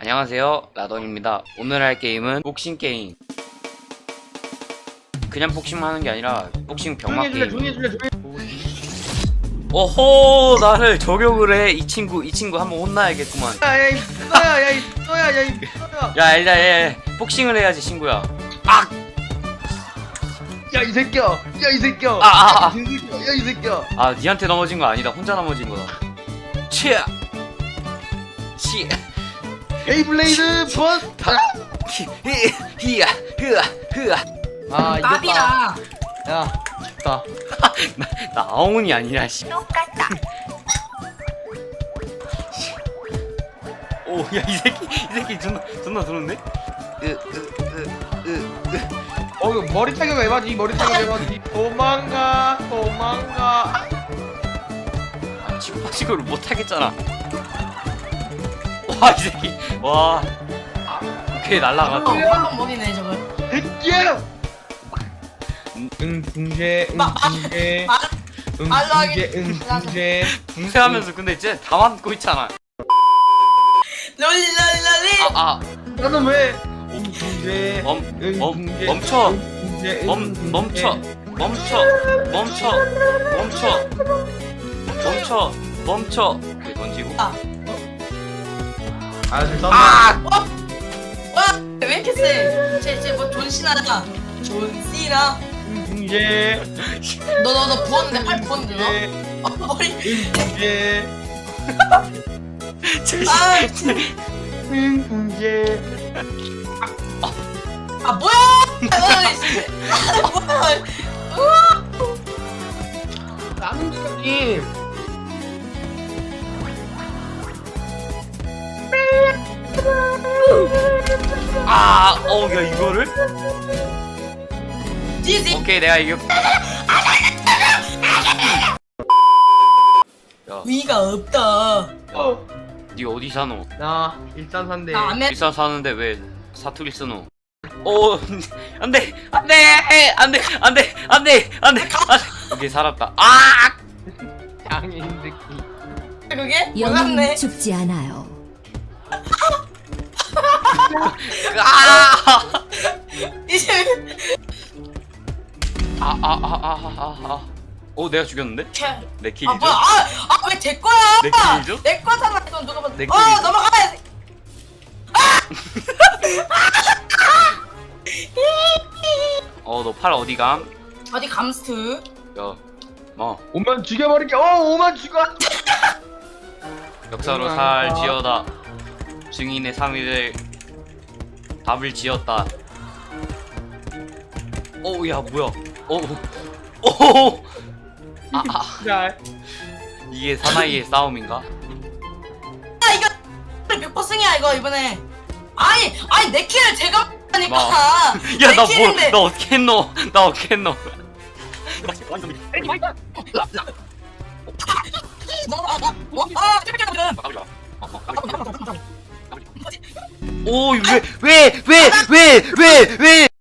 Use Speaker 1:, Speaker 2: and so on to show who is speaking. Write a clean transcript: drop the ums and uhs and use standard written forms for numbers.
Speaker 1: 안녕하세요, 라던입니다. 오늘 할 게임은 복싱 게임. 그냥 복싱만 하는 게 아니라 복싱 병맛 게임. 오호, 나를 저격을 해. 이 친구 한번 혼나야겠구만.
Speaker 2: 야야 이 쏘야
Speaker 1: 야, 일단 복싱을 해야지, 친구야. 악!
Speaker 2: 야 이 새끼야 야 이 새끼야
Speaker 1: 아.
Speaker 2: 야 이 새끼야
Speaker 1: 아, 니한테 넘어진 거 아니다. 혼자 넘어진 거다. 치아! 치!
Speaker 2: 에이블레이드 버스
Speaker 1: 히야! 흐아!
Speaker 2: 아 이겼다
Speaker 3: 나비야.
Speaker 2: 야 좋다
Speaker 1: 나 아웅이 아니라, 씨.
Speaker 3: 똑같다.
Speaker 1: 오, 야, 이 새끼 존나 좋은데?
Speaker 2: 이거 머리 타격 해봐지 머리 타격 해봐지 도망가
Speaker 1: 아, 치고를 못 하겠잖아. 와, 이 새끼. 와. 아, 오케이, 날라갔다.
Speaker 3: 한번 먹이네 저걸.
Speaker 2: 새끼야 응붕제 응붕제 응붕제
Speaker 1: 붕세하면서 근데 이제 다 맞고 있잖아.
Speaker 3: 롤리.
Speaker 2: 나는 왜 응붕제
Speaker 1: 멈춰.
Speaker 2: 응붕제
Speaker 1: 멈춰. 이렇게 던지고.
Speaker 2: 아 됐다
Speaker 1: 아!
Speaker 3: 왜 이렇게 세? 쟤뭐 존신하다. 존시나.
Speaker 2: 응붕제
Speaker 3: 너 부었는데 팔 부었는데 너? 머리.
Speaker 2: 응붕제
Speaker 3: 아,
Speaker 2: 응붕제
Speaker 3: 뭐야? 뭐야?
Speaker 2: 나는 지금
Speaker 1: 아, 야, 이거를?
Speaker 3: 지지.
Speaker 1: 오케이, 내가 이겨. 야,
Speaker 3: 위가 없다.
Speaker 1: 니 어디 사노?
Speaker 2: 나 일산산대
Speaker 3: 나 아메.
Speaker 1: 비싼 사는데 왜 사투리 쓰노? 안돼. 오케이, 살았다. 아!
Speaker 2: 장애인 새끼
Speaker 3: 그게?
Speaker 4: 영웅은
Speaker 3: 몰랐네.
Speaker 4: 죽지 않아요.
Speaker 1: 아!
Speaker 3: 이제
Speaker 1: 내가 죽였는데? 내
Speaker 3: 아
Speaker 1: 킬이죠?
Speaker 3: 뭐야? 왜 제 거야?
Speaker 1: 내 킬이죠?
Speaker 3: 내 거잖아. 이건 누가 봐도.
Speaker 1: 내 킬이죠?
Speaker 3: 넘어가야 돼.
Speaker 1: 너 팔 어디 감?
Speaker 3: 어디 감스트?
Speaker 1: 야,
Speaker 2: 오만 죽여버릴게 오만 죽어
Speaker 1: 역사로 살 지어다. 증인의 상의를 답을 지었다. 야, 뭐야?
Speaker 2: 야
Speaker 1: 이게 사나이의 싸움인가?
Speaker 3: 이거 100%승이야 이거 이번에. 아니 내 키를 제가 하니까.
Speaker 1: 야, 나 어떻게 했노? 오, 왜?